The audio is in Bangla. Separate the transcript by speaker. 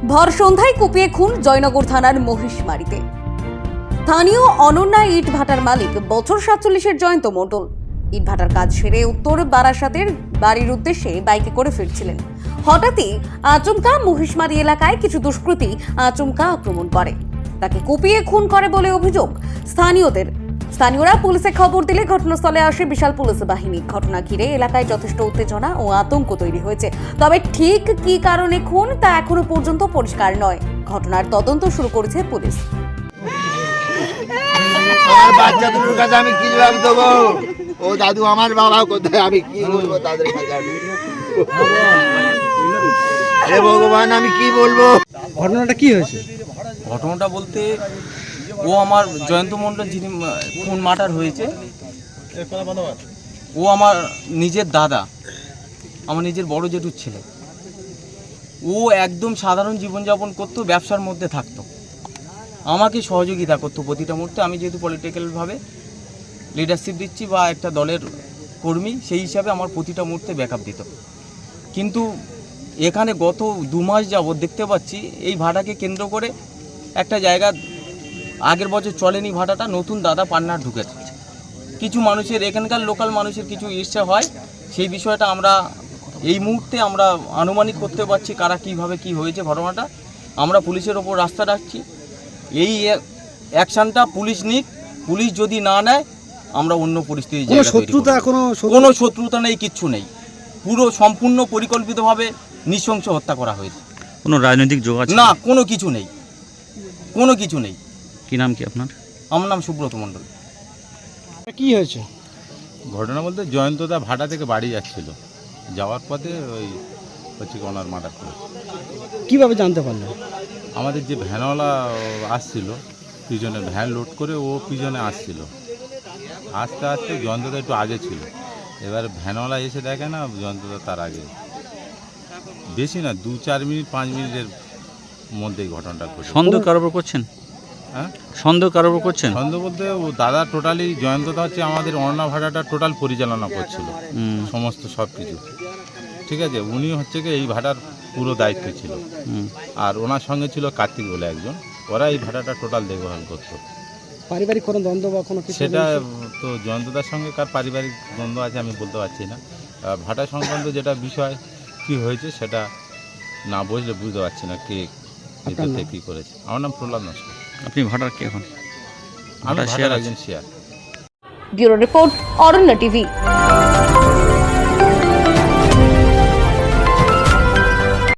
Speaker 1: ভর সন্ধ্যায় কুপিয়ে খুন জয়নগর থানার মহিষমারিতে। স্থানীয় অনন্যা ইট ভাটার মালিক বছর 47-এর জয়ন্ত মণ্ডল ইট ভাটার কাজ সেরে উত্তর বারাসাতের বাড়ির উদ্দেশ্যে বাইকে করে ফিরছিলেন। হঠাৎই আচমকা মহিষমারি এলাকায় কিছু দুষ্কৃতী আচমকা আক্রমণ করে, তাকে কুপিয়ে খুন করে বলে অভিযোগ স্থানীয়রা পুলিশে খবর দিলে ঘটনাস্থলে আসে বিশাল পুলিশ বাহিনী। ঘটনা ঘিরে এলাকায় যথেষ্ট উত্তেজনা ও আতঙ্ক তৈরি হয়েছে, তবে ঠিক কী কারণে খুন তা এখনো পর্যন্ত পরিষ্কার নয়। ঘটনার তদন্ত শুরু করেছে পুলিশ।
Speaker 2: আমার বাচ্চাদের কাছে আমি কি জবাব দেবো? ও দাদু আমার বাবা কোথায়, আমি কি বলবো তাদের কাছে? হে ভগবান, আমি কি বলবো?
Speaker 3: ঘটনাটা কি হয়েছে?
Speaker 4: ঘটনাটা বলতে ও আমার জয়ন্ত মণ্ডল যিনি খুন মার্ডার হয়েছে, ও আমার নিজের দাদা, আমার নিজের বড় জেঠুর ছেলে। ও একদম সাধারণ জীবনযাপন করতো, ব্যবসার মধ্যে থাকতো, আমাকে সহযোগিতা করতো প্রতিটা মুহূর্তে। আমি যেহেতু পলিটিক্যালভাবে লিডারশিপ দিচ্ছি বা একটা দলের কর্মী, সেই হিসাবে আমার প্রতিটা মুহূর্তে ব্যাকআপ দিত। কিন্তু এখানে গত 2 মাস যাবৎ দেখতে পাচ্ছি এই ভাটাকে কেন্দ্র করে একটা জায়গা আগের বছর চলেনি ভাটাটা, নতুন দাদা পান্নার ঢুকেছে। কিছু মানুষের, এখানকার লোকাল মানুষের কিছু ইচ্ছা হয়, সেই বিষয়টা আমরা এই মুহূর্তে আমরা আনুমানিক করতে পারছি কারা কীভাবে কি হয়েছে ঘটনাটা। আমরা পুলিশের ওপর রাস্তা রাখছি, এই অ্যাকশানটা পুলিশ নিক। পুলিশ যদি না নেয় আমরা অন্য পরিস্থিতি, কোনো শত্রুতা নেই, কিচ্ছু নেই, পুরো সম্পূর্ণ পরিকল্পিতভাবে নৃশংস হত্যা করা হয়েছে।
Speaker 5: কোনো রাজনৈতিক যোগাযোগ
Speaker 4: না, কোনো কিছু নেই, কোনো কিছু নেই।
Speaker 5: কি নাম কি আপনার?
Speaker 4: আমার নাম সুব্রত মণ্ডল।
Speaker 3: কি হয়েছে?
Speaker 6: ঘটনা বলতে জয়ন্তদা ভাটা থেকে বাড়ি যাচ্ছিল, যাওয়ার পথে ওই ওনার মার্ডার করেছে।
Speaker 3: কিভাবে জানতে পারলেন?
Speaker 6: আমাদের যে ভ্যানওয়ালা আসছিল, পিছনে ভ্যান লোড করে ও পিছনে আসছিল, আস্তে আস্তে জয়ন্তদা একটু আগে ছিল। এবার ভ্যানওয়ালা এসে দেখে না জয়ন্তদা তার আগে, বেশি না 2-4 মিনিট 5 মিনিটের মধ্যেই ঘটনাটা ঘটে।
Speaker 5: সন্দেহ কারোর উপর করছেন?
Speaker 6: হ্যাঁ,
Speaker 5: সন্দেহ কারোর উপর করছেন?
Speaker 6: সন্দেহ বলতে ও দাদা টোটালি, জয়ন্তদা হচ্ছে আমাদের অন্না ভাটাটা টোটাল পরিচালনা করছিল, সমস্ত সব কিছু, ঠিক আছে। উনি হচ্ছে কি এই ভাটার পুরো দায়িত্ব ছিল, আর ওনার সঙ্গে ছিল কার্তিক বলে একজন, ওরা এই ভাটাটা টোটাল দেখভাল করতো।
Speaker 3: পারিবারিক কোনো দ্বন্দ্ব বা কোনো কিছু?
Speaker 6: সেটা তো জয়ন্তদার সঙ্গে কার পারিবারিক দ্বন্দ্ব আছে আমি বলতে পারছি না। ভাটা সংক্রান্ত যেটা বিষয় কি হয়েছে সেটা না বুঝলে বুঝতে পারছি না কে এটাতে কী করেছে। আমার নাম প্রহ্লাদ নস্কর।
Speaker 5: আপনি ভাটার কে এখন?
Speaker 6: আমি ভাটার একজন শেয়ার।
Speaker 1: Bureau report, Aranya TV.